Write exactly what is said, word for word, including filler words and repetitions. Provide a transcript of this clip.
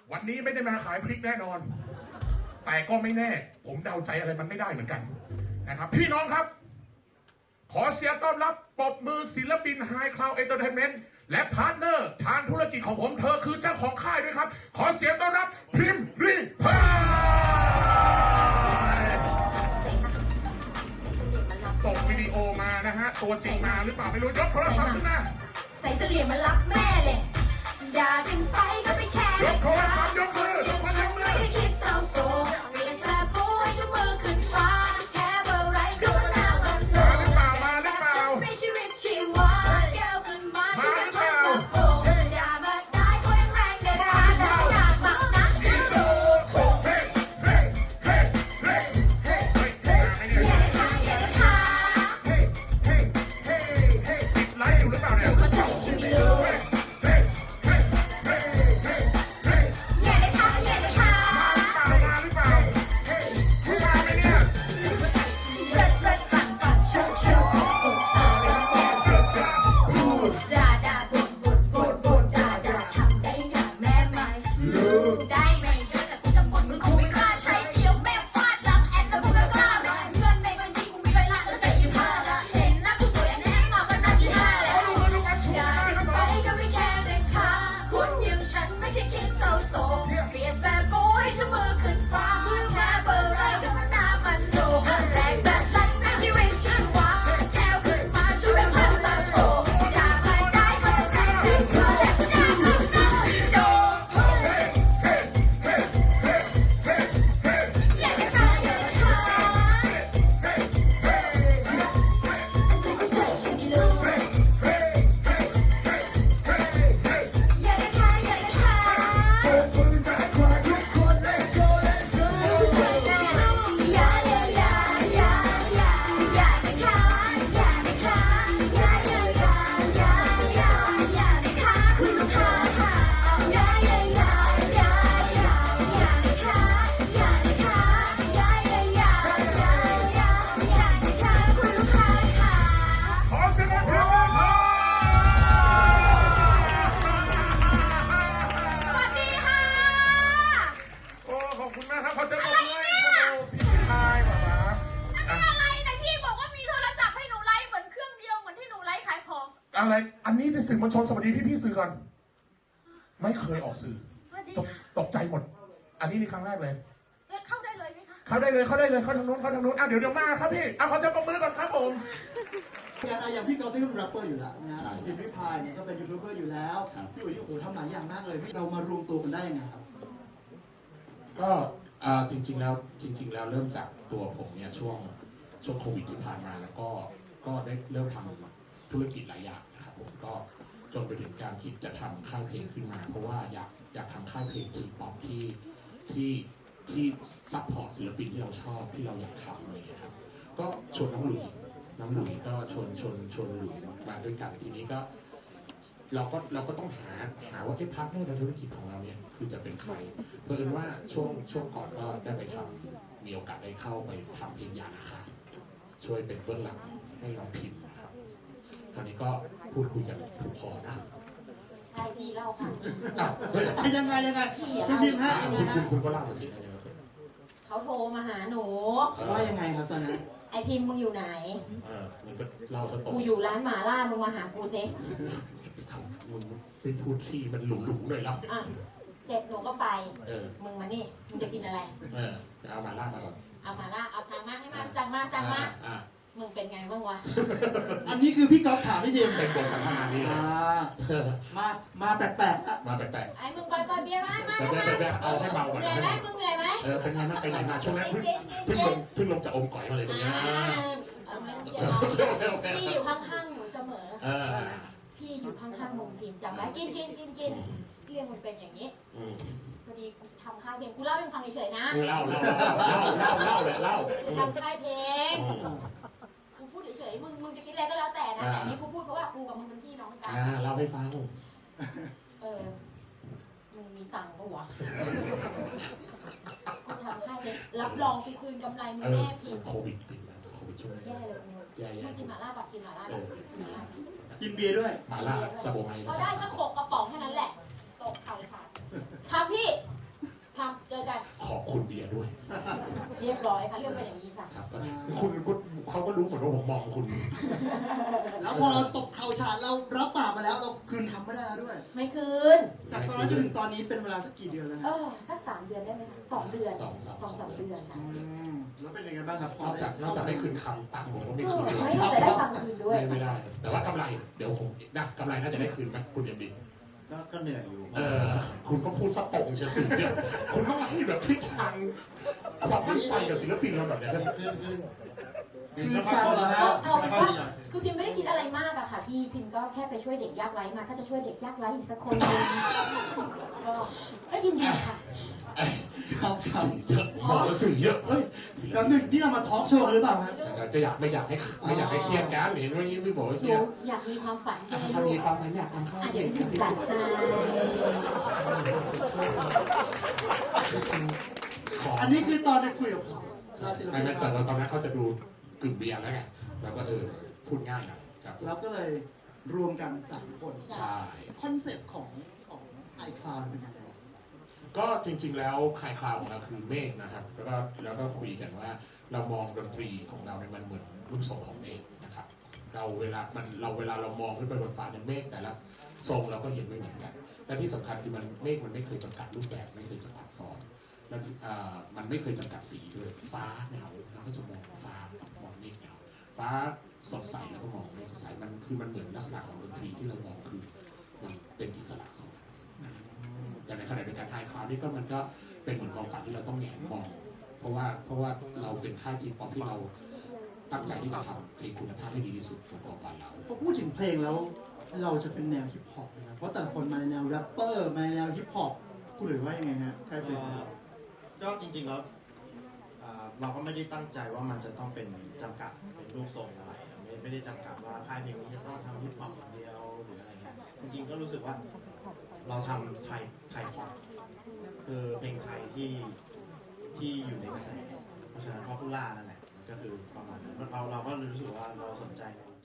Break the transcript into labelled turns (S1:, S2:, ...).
S1: วันนี้ไม่ได้มาขายพริกแน่นอนแต่ก็ไม่แน่ผมเดาใจอะไรมันไม่ได้เหมือนกันนะครับพี่น้องครับขอเสียงต้อนรับปรบมือศิลปินไฮคลาวด์เอนเตอร์เทนเมนต์และพาร์ทเนอร์ทางธุรกิจของผมเธอคือเจ้าของค่ายด้วยครับขอเสียงต้อนรับพิมพ์รีพายส่งวิดีโอมานะฮะตัวจริงมาหรือเปล่าไม่รู้ยกโทรศัพท์ขึ้นมา
S2: ใส่เสลี่ยงมารับแม่เลยด่ากันไปก็ไม่แคร์
S1: ยกโทรศัพท์ยกมือยกมือยกมือ
S2: ไม่ได้คิดเศร้าโศกเรียกแปรโป้ให้ชูมือขึ้นฟ้าแค่เบอร์ไรก็หน้ามันโล
S1: มาหรือเปล่ามาหรือเปล่า
S2: ไม่ชีวิตชีวาแก้วขึ้นมาช่วยกันมาโป่งด่ามาได้ก็ยังแรงเด็ดขาดด่าอยากมากนักอีโต้
S1: เฮ้เฮ้เฮ้เฮ้เฮ้เฮ้เฮ้
S2: อย่าได้ค่ะอย่าได้ค่ะ
S1: เฮ้เฮ้เฮ้เฮ้ติดไลฟ์อยู่หรือเปล่าเนี่ย
S2: ก็ใส่ชิมิโลอะไรอันนี้เป็นสื่อมวลชนสวัสดีพี่พี่สื่อก่อนไม่เคยออกสื่อตกตกใจหมดอันนี้นี่ครั้งแรกเลยเข้าได้เลยไหมคะ
S1: เข้าได้เลยเข้าได้เลยเข้าทางโน้นเข้าทางโน้นอ่ะเดี๋ยวเดี๋ยวมาครับพี่อ่ะขอจะปรบมือก่อนครับผม
S3: อย่างพี่กอล์ฟที่เป็นแรปเปอร์อยู่แล้วนะชิมพี่พายเนี่ยก็เป็นยูทูบเบอร์อยู่แล้วพี่อุ๋ยโอ้โหทำหลายอย่างมากเลยเรามารวมตัวกันได้ยังไงครับ
S4: ก็จริงๆแล้วจริงๆแล้วเริ่มจากตัวผมเนี่ยช่วงช่วงโควิดที่ผ่านมาแล้วก็ก็ได้เริ่มทำธุรกิจหลายอย่างนะครับผมก็จนไปถึงการคิดจะทำค่ายเพลงขึ้นมาเพราะว่าอยากอยากทำค่ายเพลงทีป๊อปที่ที่ที่ซัพพอร์ตศิลปินที่เราชอบที่เราอยากทำอะไรอย่างเงี้ยครับก็ชวนน้องหลุยน้องหลุยก็ชวนชวนชวนหลุยมาด้วยกันทีนี้ก็เราก็เราก็ต้องหาหาว่าไอ้พาร์ทเนอร์ในธุรกิจของเราเนี่ยคือจะเป็นใครเพื่อนว่าช่วงช่วงก่อนก็ได้ไปทำมีโอกาสได้เข้าไปทำเพลงยานะคะช่วยเป็นเบื้องหลังให้น้องพิมพ์นะครับคราวนี้ก็พูดคุยกันถูกคอนะ
S2: ใช่พี่เล่าค่ะ
S3: ยังไงยังไง
S2: พี่
S3: คุณพิมพ์ฮะ
S4: คุณคุณก็เล่ามาสิ
S2: เขาโทรมาหาหนู
S3: ว่ายังไงครับตอนนั้น
S2: ไอพิมพ์มึงอยู่ไหน
S4: เออมึงก็เล่าซะตรง
S2: กูอยู่ร้านหมาล่ามึงมาหากูซิ
S4: มึงเป็นพูดที่มันหลุมๆเลยแล้ว
S2: อ่ะเสร็จหนูก็ไป
S4: เออ
S2: มึงมานี่มึงจะกินอะไร
S4: เออเอามาล่ามาก่อน
S2: เอามาล่าเอาสั่งมาให้มาสั่งมาสั่งมามึงเป็นไงบ้างวะ
S3: อันนี้คือพี่กอล์ฟถามพี่เดียม
S4: เป็นบทสัมภาษณ์นี่
S3: มามาแปลก
S4: ๆมาแปลก
S2: ๆไอ้มึงไปไปเบียร์มาให้มา
S4: เอาให้เบาก่อน
S2: เหนื่อยไหมมึงเหนื่อยไหม
S4: เออเป็นไงบ้างไปไหนมาช่วงนั้นเพิ่งลงเพิ่งลงจากอมก๋อยมาเลยตรงนี้
S2: พี่อยู่ข้างๆหนูเสมอพี่อยู่ข้างๆมึงพิมพ์จำไว้กินกินกินกินเรื่องมันเป็นอย่างนี้พอดีกูทำค่ายเพลงกูเล่าให้ฟังเฉยๆนะ
S4: เล่าเล่าเล่าเล่าเล่าเล่า
S2: กูทำค่ายเพลงกูพูดเฉยๆมึงมึงจะคิดอะไรก็แล้วแต่นะแต่นี่กูพูดเพราะว่ากูกับมึงเป็นพี่น้องกัน
S4: อ่าเล่าให้ฟัง
S2: เออมึงมีตังค์ปะวะกูทำค่ายเพลงรับรองกูคืนกำไรมึงแน่พี่
S4: โควิดปิดแล้วโควิดช่วย
S2: แย่เลยมึงกินหม่าล่ากับกินหม่าล่า
S3: กินเบียร์ด้วย
S4: หม่าล่าสโบไม
S2: พอได้ก็โขกกระป๋องแค่นั้นแหละตกเข่าขาดทำพี่
S4: คุณเบียร์ด้วย
S5: เรียบร้อยค่ะเรื่องเป็นอย่างนี้ค่ะ
S4: ครับก็คุณก็เขาก็รู้เหมือนว่าผมมองคุณ
S3: แล้วพอเราตกเข่าฉาดเรารับปากมาแล้วเราคืนคำไม่ได้แล้วด้วย
S5: ไม่คืน
S3: จากตอนนั้นจนถึงตอนนี้เป็นเวลาสักกี่เดือนแล้ว
S5: เอ
S3: ฮะ
S5: อสักสามเดือนได้ไหมคะสองเดือน
S4: สองสาม
S5: สองสามเดือนค่ะ
S3: อืมแล้วเป็นยังไงบ้างครับ
S4: นอกจากนอกจากไม่คืนคำตังค์ผมก็ไม่
S5: เอ
S4: คื
S5: อน
S4: เลย
S5: ไม่น่าจะได้ตังค์คืนด้วย
S4: ไม่ไม่ได้ แต่ว่ากำไรเดี๋ยวผมนะกำไรน่าจะได้คืนไหมคุณเอ็มดี
S6: ก็ก็เหนื่อยอยู่
S4: เออคุณก็พูดสะตรงเชียวสิเนี่ยคุณก็มาให้แบบพลิกทางความมั่นใจกับศิลปินเราหน่อยนะ
S6: คือคือ
S3: คือการเหรอฮะ
S5: เอาเอาเป็นว่าคือพิมไม่ได้คิดอะไรมากอะค่ะพี่พิมก็แค่ไปช่วยเด็กยากไร้มา ถ้าจะช่วยเด็กยากไร้อีกสักคนหนึงก็ก็ยินดีค่ะ
S3: ครับครับ
S4: เยอะบอกว่าสื่อเยอะเฮ้ย
S3: แล้วหนึ่งนี่เรามาทอล์กโชว์กันหรือเปล่าฮะ
S4: ก็อยากไม่อยากให้ไม่อยากให้เครียดกันเห็นว่ายิ่งไม่บอกว่า
S5: ห
S4: เครี
S5: นู
S4: ยด
S5: อยากมีความฝันใช่ไหม
S4: ถ้า
S5: ลู
S4: มี
S5: ก
S4: ความฝันอยากทำข้าว
S5: อ่ะ
S4: เด็
S5: เดี๋ยว
S4: ก
S5: พิมจัดให้
S4: ขอ
S3: อันนี้คือตอนได้คุยกับศิล
S4: ไม่
S3: ปิน
S4: ไม่แต่ว่าตอนนั้นเขาจะดูกึ่งเบียร์แล้วไงแล้วก็เออพูดง่ายนะครับ
S3: เราก็เลยรวมกันสามคน
S4: ใช่
S3: คอนเซ็ปต์ของของไอคลาวเป็นยังไง
S4: ก็จริง ๆ แล้วคลายคลาวของเราคือเมฆนะครับ แล้วก็แล้วก็คุยกันว่าเรามองดนตรีของเราเนี่ยมันเหมือนรูปทรงของเมฆนะครับ เราเวลามันเราเวลาเรามองขึ้นไปบนฟ้าเนี่ยเมฆแต่ละทรงเราก็เห็นไม่เหมือนกัน และที่สำคัญคือมันเมฆมันไม่เคยจำกัดรูปแบบไม่เคยจำกัดฟอร์มแล้วอ่ามันไม่เคยจำกัดสีด้วยฟ้าเงาเราก็จะมองฟ้ามองเมฆเงาฟ้าสดใสแล้วก็มองเมฆสดใสมันคือมันเหมือนลักษณะของดนตรีที่เรามองคือมันเป็นอิสระของมันนะแต่ในขณะเดียวกันไฮคลาวนี่ก็มันก็เป็นเหมือนความฝันที่เราต้องแหงนมอง เพราะว่าเพราะว่าเราเป็นค่ายทีป๊อปที่เราตั้งใจที่จะทำเพลงคุณภาพให้ดีที่สุดของความฝันเรา
S3: พอพูดถึงเพลงแล้วเราจะเป็นแนวฮิปฮอปนะครับเพราะแต่ละคนมาในแนวแรปเปอร์มาในแนวฮิปฮอปคุณหรือว่ายังไงฮะใครเป็น
S6: ก็จริงๆแล้วอ่าเราก็ไม่ได้ตั้งใจว่ามันจะต้องเป็นจำกัดเป็นรูปทรงอะไรไม่ไม่ได้จำกัดว่าค่ายเพลงนี้จะต้องทำฮิปฮอปอย่างเดียวหรืออะไรเงี้ยจริงๆก็รู้สึกว่าเราทำไทยไทยพอปคือเพลงไทยที่ที่อยู่ในกระแสเพราะฉะนั้นพอพูล่านั่นแหละก็คือประมาณนั้นเราเราก็รู้สึกว่าเราสนใจใน